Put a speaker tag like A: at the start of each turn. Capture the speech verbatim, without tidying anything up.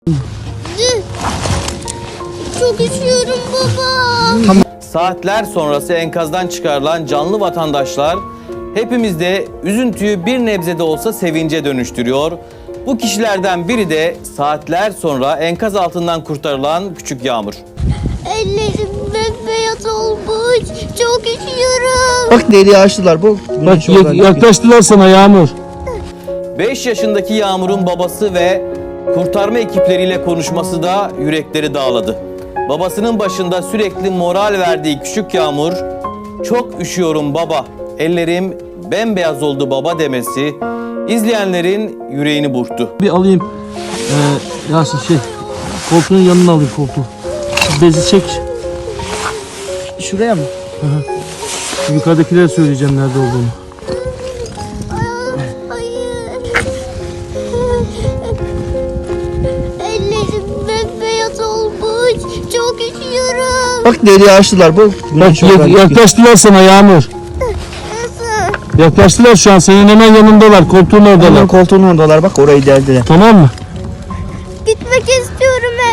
A: Çok üşüyorum baba.
B: Saatler sonrası enkazdan çıkarılan canlı vatandaşlar hepimizde üzüntüyü bir nebze de olsa sevince dönüştürüyor. Bu kişilerden biri de saatler sonra enkaz altından kurtarılan küçük Yağmur.
A: Ellerim bembeyaz olmuş. Çok üşüyorum.
C: Bak deliği açtılar bu.
D: Bak yak- yaklaştılar sana Yağmur.
B: beş yaşındaki Yağmur'un babası ve kurtarma ekipleriyle konuşması da yürekleri dağladı. Babasının başında sürekli moral verdiği küçük Yağmur, "Çok üşüyorum baba, ellerim bembeyaz oldu baba" demesi izleyenlerin yüreğini burktu.
D: Bir alayım. Ee, Yasin şey, koltuğun yanına alayım koltuğu. Şu bezi çek.
C: Şuraya mı?
D: Şu yukarıdakilere söyleyeceğim nerede olduğunu.
A: Hayır. Ellerim bembeyaz olmuş. Çok üşüyorum.
C: Bak deliği açtılar bu.
D: Bak yak- yaklaştılar sana Yağmur.
A: Nasıl?
D: Yaklaştılar şu an, senin hemen yanındalar, koltuğun oradalar.
C: Hemen koltuğun oradalar, bak orayı deldiler.
D: Tamam mı?
A: Gitmek istiyorum.